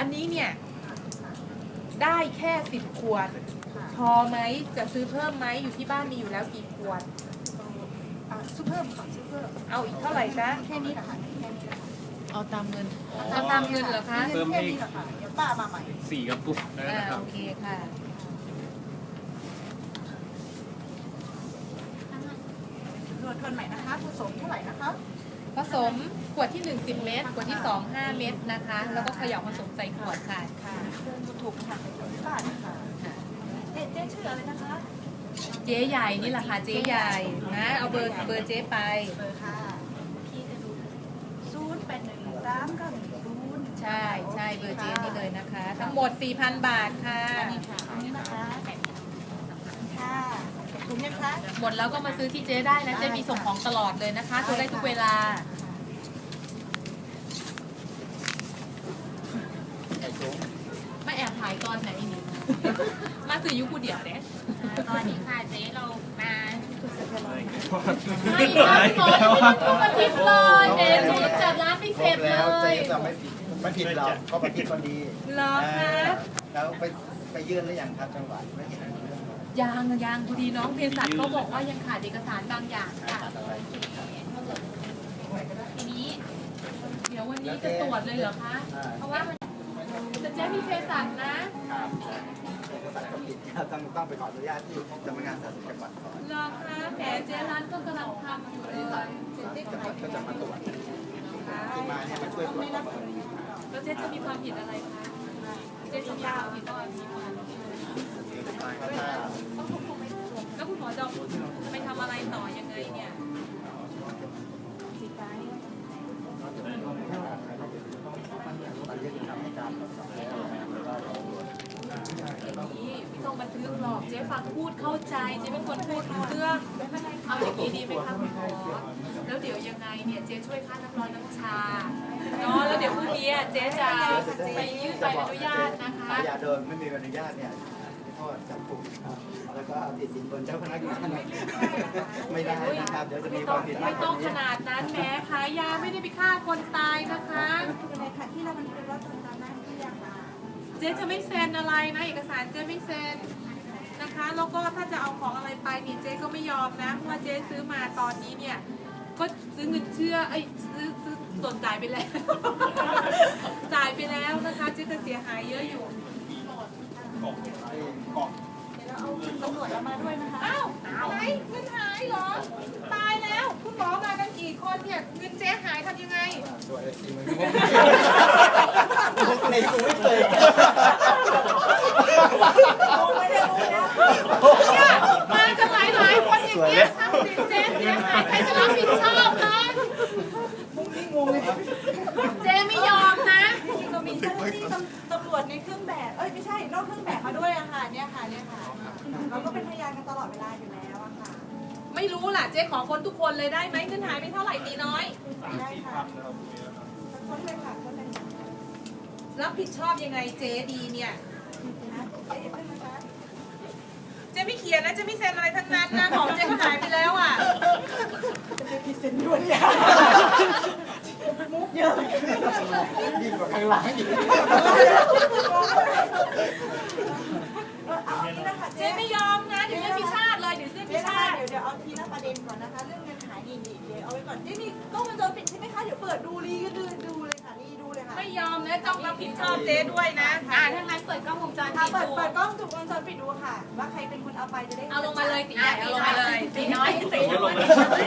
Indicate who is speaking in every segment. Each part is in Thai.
Speaker 1: อันนี้เนี่ยได้แค่10 ขวดพอไหมจะซื้อเพิ่มไหมอยู่ที่บ้านมีอยู่แล้วกี่ขวด
Speaker 2: ซื้อเพิ่มค่ะซื้อเพิ่ม
Speaker 1: เอาอีกเท่าไหร่จ๊ะ
Speaker 2: แค่นี้แหละค่ะแค่นี้
Speaker 1: เอาตามเงินเอาตามเงินเหรอคะ
Speaker 2: เพิ่มให้เดี๋ยวป้ามาใหม่
Speaker 3: 4 กระปุกนะครับ
Speaker 1: โอเคค่ะ
Speaker 2: ทวนใหม่นะคะผสมเท่าไหร่นะคะ
Speaker 1: ผสมขวดที่1 10 เม็ดขวดที่2 5 เม็ดนะคะแล้วก็เขย่าผสมใส่ขวดค่ะ
Speaker 2: ค่ะถูกค่ะใส่ขวดที่บ้านค่ะเจ๊ชื่ออะไรนะคะ
Speaker 1: เจ๊ใหญ่นี่แหละค่ะเจ๊ใหญ่นะเอาเบอร์เจ๊ไป
Speaker 2: เบอร์ค่ะพี่จะดู081390
Speaker 1: ใช่ใช่เบอร์เจ๊นี่เลยนะคะทั้งหมด 4,000 บาทค่ะ
Speaker 2: อันนี้นะคะค่ะถูกไหมคะ
Speaker 1: หมดแล้วก็มาซื้อที่เจ๊ได้นะเจ๊มีส่งของตลอดเลยนะคะโทรได้ทุกเวลามาแอบถ่ายตอนไหนนี่มาสื่อยุคกูเดียวเนี่ย
Speaker 4: ตอนนี้ค่ะเจ๊เรามา
Speaker 1: ไม่ค่ะพี่หมอไม่ต้องทุกอาทิตย์เลยเจ๊จูจัดร้านไม่เสร็จเลย
Speaker 5: เจ๊จะไม่ผิดเราก็ปฏิบัติดี
Speaker 1: เหรอคะ
Speaker 5: แล้วไปยื่นหรือยังครับจังหวัดไม่เห็น
Speaker 1: ยังพอดีน้องเภสัชเขาบอกว่ายังขาดเอกสารบางอย่างค่ะทีนี้เดี๋ยววันนี้จะตรวจเลยเหรอคะเพราะว่าจะเจ๊มีเภสัชนะ
Speaker 5: เอกสารก็ผิดต้องไปขออนุญาตที่สำนักงานสาธารณสุขจังหวัดก่อน
Speaker 1: เหรอคะแผลเจ๊ร้านก็กำลังทำอยู่เลย
Speaker 5: จังหวัดก็จะมาตรวจที่มาเนี่ยมาช่วยตรวจประเมิน
Speaker 1: แล้วเจ๊จะมีความผิดอะไรคะเจ๊จะมีความผิดอะไรแล้วคุณหมอจะไปทำอะไรต่อยังไงเนี่ยนี่ไม่ต้องบันทึกหรอกเจ๊ฟังพูดเข้าใจเจ๊เป็นคนพูดรู้เรื่องเอาอย่างนี้ดีไหมคะคุณหมอแล้วเดี๋ยวยังไงเนี่ยเจ๊ช่วยค่าน้ำร้อนน้ำชาเนาะแล้วเดี๋ยวพรุ่งนี้เจ๊จะไปยื่นใบอนุญาตนะคะ
Speaker 5: อย่าโดนไม่มีใบอนุญาตเนี่ยโทษจำคุกแล้วก็ติดสินบนเจ้าพนักงานไม่ได้นะครับเดี๋ยวจะมีความผิด
Speaker 1: ไม่ต้องขนาดนั้นแม้ขายยาไม่ได้ไปฆ่าคนตายนะคะ
Speaker 2: อะไรค่ะที่เรามันเป็นว่าตอนนั้นที่อยากมา
Speaker 1: เจ๊จะไม่เซ็นอะไรนะเอกสารเจ๊ไม่เซ็นนะคะแล้วก็ถ้าจะเอาของอะไรไปนี่เจ๊ก็ไม่ยอมนะเพราะว่าเจ๊ซื้อมาตอนนี้เนี่ยก็ซื้อเงินเชื่อซื้อส่วนจ่ายไปแล้วจ่ายไปแล้วนะคะเจ๊จะเสียหายเยอะอยู่
Speaker 2: เอาตำรวจมาด้วยนะคะ
Speaker 1: อ้าวไหนเงินหายเหรอตายแล้วคุณหมอมากันกี่คนเนี่ยเงินเจ๊หายทำยังไง
Speaker 5: ตัวเอซีมันในกูไม่เคย
Speaker 2: ไม่ได้รู้นะ
Speaker 1: เนี่ยมากันหลายคนอย่างเงี้ยทำสิเจ๊เสียหายใครจะรับผิดชอบคะ
Speaker 2: มุ้งนี่งงเลย
Speaker 1: เจ๊ไม่ยอมนะ
Speaker 2: เรามีเจ้าหน้าที่ตำรวจในเครื่องแบบไม่ใช่นอกเครื่องแบบมาด้วยอะค่ะเนี่ยค่ะเราก็เป็นพยานกันตลอดเวลาอยู่แล้วอะค่ะ
Speaker 1: ไม่รู้ล่ะเจ๊ขอคนทุกคนเลยได้ไหมเงินหายไปเท่าไหร่ตีน้อย
Speaker 2: ได้ค่ะคนเลยค่ะคนเลย
Speaker 1: รับผิดชอบยังไงเจ๊ดีเนี่ยเจ๊ไม่เขียนนะเจ๊ไม่เซ็นอะไรทั้งนั้นนะของเจ๊ก็หายไปแล้วอ่ะ
Speaker 2: จะไปเซ็นด่วนเนี่ยมุกเยอะ
Speaker 5: ยิ่งกว่าข้างหลังอีก
Speaker 2: เอาทีนะคะ
Speaker 1: เจ๊ไม่ยอมนะเดี๋ยวเจ๊พิชาติเลยเดี๋ยวเจ๊พิชาติ
Speaker 2: เดี๋ยวเอาทีละประเด็นก่อนนะคะเรื่องเงินหายดีเดี๋ยวเอาไว้ก่อนเจ๊มีกล้องวงจรปิดใช่ไหมคะเดี๋ยวเปิดดูรีก็ดูเลยค่ะรีดูเลยค่ะ
Speaker 1: ไม่ยอมนะต้องรับผิดชอบเจ๊ด้วยนะ
Speaker 4: ถ้างั้นเปิดกล้องวงจรปิดดู
Speaker 2: เปิดกล้องวงจรปิดดูค่ะว่าใครเป็นคนเอาไปจะได้
Speaker 1: เอาลงมาเลยตีใหญ่เอาลงมาเลยตีน้อยตี
Speaker 5: น้อย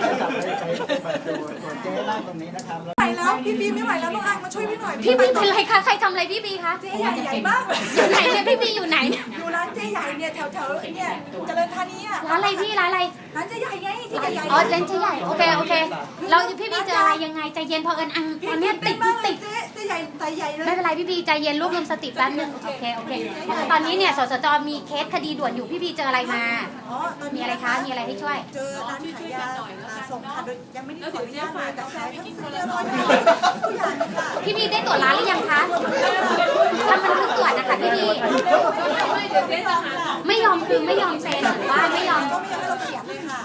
Speaker 5: เจ๊นั่งตรงนี้นะครับ
Speaker 2: ไหวแล้วพี่บีไม่ไหวแล้วน้องอังมาช่วยพี่หน่อย
Speaker 4: พี่บีเป็นไรคะใครทำอะไรพี่บีคะ
Speaker 2: เจ๊ใหญ่มาก
Speaker 4: อยู่ไหนเนี่ยพี่บีอยู่ไหน
Speaker 2: อยู่ร้านเจ๊ใหญ่เนี่ยแถวเนี่ยเจริญธานีอ่ะ
Speaker 4: ร้านอะไรพี่ร้านอะไร
Speaker 2: ร้านเจ๊ใหญ่ไงที่ใหญ่
Speaker 4: อ๋อร้านเจ๊ใหญ่โอเคเราพี่บีเจออะไรยังไงใจเย็นพออังตอนนี้ติด
Speaker 2: เจ๊ใหญ่ใจใหญ่เลย
Speaker 4: ไม่เป็นไรพี่บีใจเย็นรวบรวมสติแป๊บนึงโอเคตอนนี้เนี่ยสสจมีเคสคดีด่วนอยู่พี่บีเจออะไรมามีอะไรคะมีอะไรให้ช่วย
Speaker 2: เจอร้านขายยาส่งค่ะโดยยังไม่ได้ขออนุญาตมาแต่ขายทั้งซื้อเลยทุกอย่างค่ะ
Speaker 4: พี่บีได้ตรวจร้านหรือยังคะทำบันทึกตรวจนะคะพี่บีไม่ยอมคือไม่ยอมเซ็นหรือว่าไม่ยอม
Speaker 2: ก็ไม่ยอมให้เราเขียนเลยค่ะ
Speaker 4: ไม่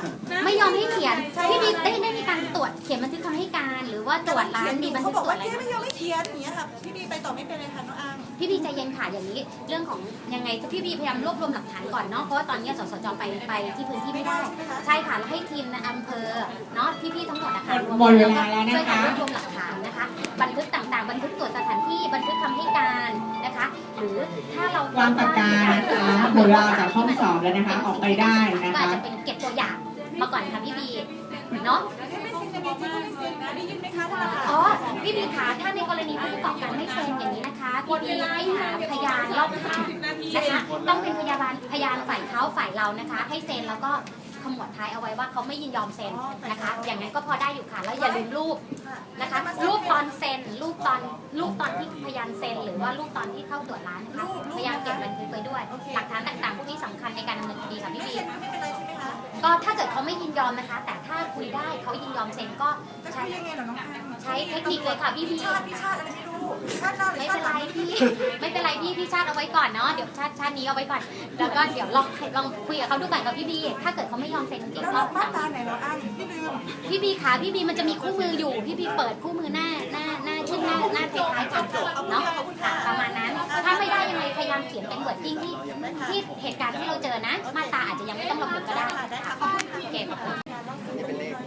Speaker 4: ไม่ยอมให้เขียนพี่บีได้มีการตรวจเขียนบันทึกคำให้การหรือว่าตรวจร้านมีบันทึ
Speaker 2: เขา
Speaker 4: ก
Speaker 2: บอก
Speaker 4: ตรวจ
Speaker 2: ว่า
Speaker 4: อะไร
Speaker 2: เจ๊ไม่ยอมให้เขียนอย่างเงี้ยค่ะพี่บีไปต่อไม่เป็นเลยค่ะน้องอัง
Speaker 4: พี่บีใจเย็นค่ะอย่างนี้เรื่องของยังไงพี่บีพยายามรวบรวมหลักฐานก่อนเนาะเพราะว่าตอนนี้สสจไปที่พื้นที่ไม่ได้ใช่ค่ะแล้วให้ทีมในอำเภอเนาะพี่ๆทั้งหมดนะคะ
Speaker 3: หมดเวลาแล้วนะคะ
Speaker 4: ช่วยกันรวบรวมหลักฐานนะคะบันทึกต่างๆ บันทึกตรวจสถานที่บันทึกคำให้การนะคะ หรือถ้าเรา
Speaker 3: วางปากกานะคะหมดเวลาจากห้องสอบแล้วนะคะออกไปได้นะ
Speaker 4: ก็อาจ
Speaker 3: คะ
Speaker 4: จะเป็นเก็บตัวอย่างมาก่อนค่ะพี่บีเนาะ
Speaker 2: เจ๊ไม่เซ็นยังไงเจ๊ก็ไม่เซ็นนะได้ยินไหมคะท่านประธาน
Speaker 4: อ๋อพี่บีคะถ้าในกรณีผู้ประกอบการไม่เซ็นอย่างนี้นะคะพี่บีให้หาพยานรอบข้างนะคะต้องเป็นพยานฝ่ายเขาฝ่ายเรานะคะ ให้เซ็นแล้วก็ขมวดท้ายเอาไว้ว่าเขาไม่ยินยอมเซ็นนะคะ อย่างนั้นก็พอได้อยู่ค่ะแล้วอย่าลืมรูปนะคะ รูปตอนเซ็นรูปตอนที่พยานเซ็นหรือว่ารูปตอนที่เข้าตรวจร้านนะคะพยายามเก็บบันทึกไว้ด้วย หลักฐานต่างๆพวกนี้สำคัญในการดำเนินคดีค่ะพี่
Speaker 2: ไม่
Speaker 4: บี
Speaker 2: เซ็นก็ไม่เป็นไรใช่ไหมคะ
Speaker 4: ก็ถ้าเกิดเขาไม่ยินยอมนะคะ แต่ถ้าคุยได้เขายินยอมเซ็นก็
Speaker 2: จะ
Speaker 4: ใช้
Speaker 2: คุยยังไงเหรอน้องอัง
Speaker 4: ใช้เทคนิคเลยค่ะพี่บี
Speaker 2: ชาติอะไรไม่รู้ชาติหน้าหรือ
Speaker 4: ไม่
Speaker 2: ชา
Speaker 4: เป็
Speaker 2: ติ
Speaker 4: น
Speaker 2: ห
Speaker 4: ไร
Speaker 2: ลัง
Speaker 4: พี่ ไม่เป็นไรพี่ชาติเอาไว้ก่อนเนาะเดี๋ยวชาตินี้เอาไว้ก่อนแล้วก็เดี๋ยวลองคุยกับเขาดูก่อนกับพี่บีถ้าเกิดเขาไม่ยอมเซ็นจริง
Speaker 2: แล้ว
Speaker 4: ๆก็
Speaker 2: มาตราไหนน้องอังพี่ลืม
Speaker 4: พี่บีขาพี่บีมันจะมีคู่มืออยู่พี่บีเปิดคู่มือหน้าขึ้นหน้าท้ายๆกันเนาะค่ะประมาณนั้น ถ้าไม่ได้ยังไงพยายามเขียนเป็นเวิร์ดดิ้งที่เหตุการณ์ที่เราเจอนะ มาตราอาจจะยังไม่ต้องระบุก็ได้
Speaker 2: ได้ค่ะขอบคุณ
Speaker 4: โอเคขอบคุณ
Speaker 5: นี่เป็นเลข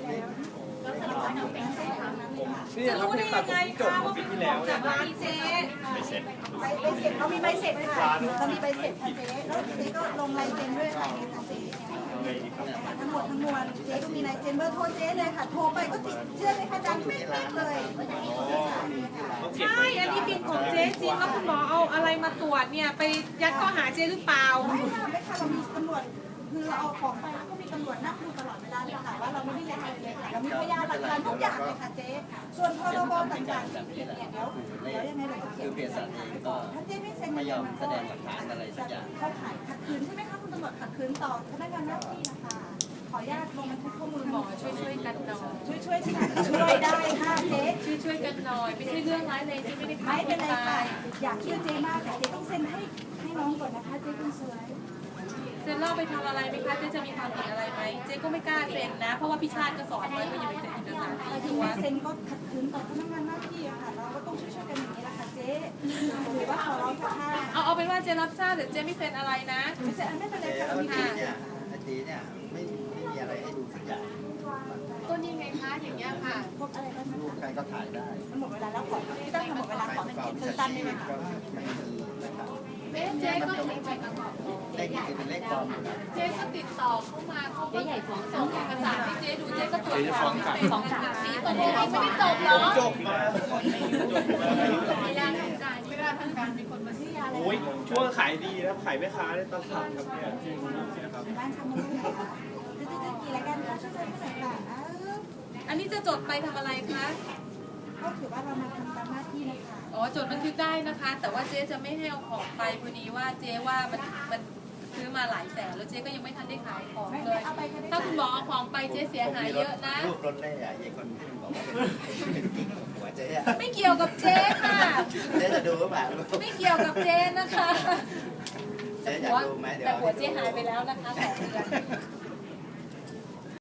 Speaker 1: จะรู้ได้ยังไงคะว่าเป็นของจากร้านเจ๊
Speaker 2: ใบเสร็จเรามีใบเสร็จค่ะเรามีใบเสร็จค่ะเจ๊แล้วเจ๊ก็ลงลายเซ็นด้วยค่ะเนี่ยค่ะเจ๊ทั้งหมดทั้งมวลเจ๊ก็มีลายเซ็นเบอร์โทรเจ๊เลยค่ะโทรไปก็ติดเชื่อไหมคะดังไม่ติดเลย
Speaker 1: ใช่ อันนี้บินของเจ๊จริงแล้วคุณหมอเอาอะไรมาตรวจเนี่ยไปยัดข้อหาเจ๊หรือเปล่า
Speaker 2: ไม่ค่ะไม่ค่ะเรามีตำรวจคือเราเอาของไปแล้วก็มีตำรวจนั่งดูตลอดเวลาเลยค่ะว่าเราไม่ได้เล่นอะไรเลยค่ะเรามีพยานหลักฐานทุกอย่างเลยค่ะเจ๊ส่วนพรบต่างๆที่ผิดเนี่ยเดี๋ยวยังไงเราจะเขียนเอกสารไปก่อนถ้าเจ๊ไม่เซ็นไม่ยอมแสดงหลักฐานอะไรสักอย่างเข้าข่ายขัดขืนใช่ไหมคะคุณตำรวจขัดขืนต่อพนักงานหน้าที่นะคะขออนุญาตลงบันทึกข้อมูล
Speaker 1: หมอช่วยกันหน่อย
Speaker 2: ช่วยช่วยได้ค่ะเจ๊
Speaker 1: ช่วยกันหน่อยไม่ใช่เรื่องร้ายเลยเจ๊ไม่ได้ฆ่า
Speaker 2: ไม่
Speaker 1: ค
Speaker 2: เป็น
Speaker 1: น
Speaker 2: ไร
Speaker 1: ตา
Speaker 2: ค่ะ
Speaker 1: ย
Speaker 2: อยากเชื่อเจ๊มากแต่เจ๊ต้องเซ็นให้น้องก่อนนะคะเจ๊คุณสวย
Speaker 1: เซ็นเล่าไปทำอะไรไหมคะเจ๊จะมีความผิดอะไรไหมเจ๊ก็ไม่กล้าเซ็นนะ เพราะว่าพี่ชาติก็สอนไว้ว่าอย่าไปเซ็นเอกสาร
Speaker 2: แต่
Speaker 1: ที่
Speaker 2: ถึง
Speaker 1: ตัว
Speaker 2: แม้เซ็นก็ขัดขืนต่อพนักงานหน้าที่อะค่ะเราก็ต้องช่วยกันอย่างนี้แหละค่ะเจ๊หรือว่าขอร้องค่ะ
Speaker 1: เอาเป็นว่าเจ๊รับทราบแต่เจ๊ไม่เซ็นอะไรนะ
Speaker 2: ไม่เป็นไร
Speaker 5: เจ๊
Speaker 2: ค่ะ
Speaker 5: แล้ว
Speaker 2: มี
Speaker 5: ทีเนี่ยทีเนี่ยไม่มีอะไรให้ดูสักอย่าง
Speaker 1: ก็นี่ไงคะอย่างเงี้ยค่ะ
Speaker 2: พบอะไรบ้าง
Speaker 5: รูป
Speaker 2: คะ
Speaker 5: ใครก็ถ่ายได้
Speaker 2: มันหมดเวลาแล้วขอพี่ตั้งหมดเวลาขอเป็นเขียนสั้นๆได้ไหมคะ
Speaker 5: ก็ไม่มีนะครับ
Speaker 1: เจ๊ก็
Speaker 5: เลขนี้เป็นเลขปลอมนะครับ
Speaker 1: เจ๊ก็ติดต่อเข้ามาเขาก็ส่งเอกสารให้เจ๊ดูเจ๊ก็ตรวจสอบเป็นของกลางนี้ตอนนี้ไม่ได้จบเหรอ
Speaker 6: จบมาโอ้ยช่วงขายดีนะขายแม่ค้าในตลาดครับเนี่ยจริงนะครับ
Speaker 2: บ้านทำมือไหนคะจะกี่รายการก็ช่วยกันหน่อยค่ะ
Speaker 1: อันนี้จะจดไปทำอะไรคะ
Speaker 2: ก็ถือว่าเรามาทำตามหน้าที่นะคะ
Speaker 1: อ๋อจดบันทึกได้นะคะ แต่ว่าเจ๊จะไม่ให้เอาของไปพอดีว่าเจ๊ว่ามันซื้อมาหลายแสนแล้วเจ๊ก็ยังไม่ทันได้ขายของเลย ถ้าคุณหมอเอาของไปเจ๊เสียหายเยอะนะ
Speaker 5: รูปรถเล่อะยายคนที่มันบอกว่าเป็นกิ๊กหัวเจ๊อะ
Speaker 1: ไม่เกี่ยวกับเจ๊ค่ะ
Speaker 5: เจ๊จะดูหรือเปล่า
Speaker 1: ไม่เกี่ยวกับเจ๊นะคะ
Speaker 5: เจ๊อยากดูไหมเดี๋ยว
Speaker 1: แต่หัวเจ๊หายไปแล้วนะคะ2 เดือน